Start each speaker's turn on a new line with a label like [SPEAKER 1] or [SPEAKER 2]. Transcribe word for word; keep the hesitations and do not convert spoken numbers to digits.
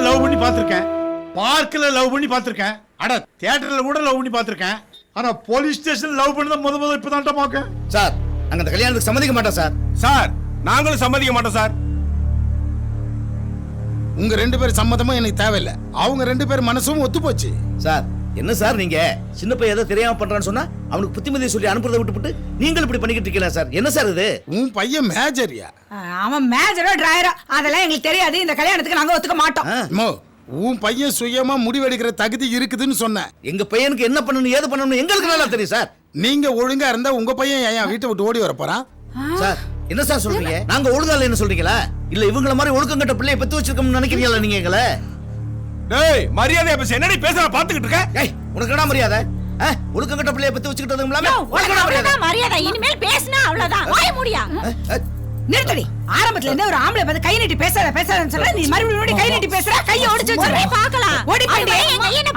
[SPEAKER 1] Love பண்ணி பார்த்திருக்கேன், பார்க்ல லவ் பண்ணி பார்த்திருக்கேன், அட தியேட்டர்ல கூட லவ் பண்ணி பார்த்திருக்கேன். ஆனா போலீஸ் ஸ்டேஷன் லவ் பண்ணத முத முத இப்பதான் பாக்க.
[SPEAKER 2] சார் நாங்க அந்த கல்யாணத்துக்கு சம்மதிக்க மாட்டோம் சார்.
[SPEAKER 3] சார் நாங்களும் சம்மதிக்க மாட்டோம் சார்.
[SPEAKER 4] உங்க ரெண்டு பேர் சம்மதமும் எனக்கு தேவையில்லை. அவங்க ரெண்டு பேர் மனசும் ஒத்து போச்சு.
[SPEAKER 2] சார் என்ன சார் நீங்க சின்ன பையன் ஏதோ தெரியாம பண்றான்னு சொன்னா அவனுக்கு புத்திமதியை சொல்லி அனுப்புறதை விட்டுவிட்டு நீங்கள் இப்படி பண்ணிக்கிட்டு இருக்கீங்களா சார்? என்ன சார் இது?
[SPEAKER 4] உன் பையன் மேஜரியா?
[SPEAKER 5] அவன் மேஜரோ டிரைவரோ அதெல்லாம் எங்களுக்கு தெரியாது. இந்த கல்யாணத்துக்கு நாங்க ஒத்துக்க மாட்டோம்.
[SPEAKER 4] மோ, உன் பையன் சுயமா முடிவெடுக்கிற தகுதி இருக்குதுன்னு சொன்ன.
[SPEAKER 2] எங்க பையனுக்கு என்ன பண்ணணும் ஏது பண்ணணும் எங்களுக்கு நல்லா தெரியும் சார்.
[SPEAKER 4] நீங்க ஒழுங்கா இருந்தா உங்க பையன் ஏன் வீட்டை விட்டு ஓடி வர போறான்?
[SPEAKER 2] சார் என்ன சார் சொல்றீங்க? நாங்க ஒழுங்கால என்ன சொல்றீங்களா? இல்ல இவங்கள மாதிரி ஒழுக்கம் கட்ட பிள்ளைய பெத்து வச்சிருக்கோம்னு நினைக்கிறீங்களா நீங்க எங்களை?
[SPEAKER 3] டேய் மரியாதையா பேச. என்னடி பேசுற பாத்துக்கிட்டு இருக்க?
[SPEAKER 2] ஏய் உனக்கு என்ன மரியாதை? ஒழுக்கம் கட்ட பிள்ளைய பெத்து வச்சிட்டதும் இல்லாம உனக்கு என்ன மரியாதை?
[SPEAKER 5] மரியாதை இனிமேல் பேசினா அவ்வளவுதான். வாய மூடியா. நிறுத்தடி. ஆரம்பத்துல இருந்தே ஒரு ஆம்பளை வந்து கை நீட்டி பேசாத பேசாதன்னு சொன்னா நீ மறுபடியும் கை நீட்டி பேசுற. கையை ஒடிச்சு வச்சிரே பார்க்கலாம். ஓடி போய் எங்க ஐயனை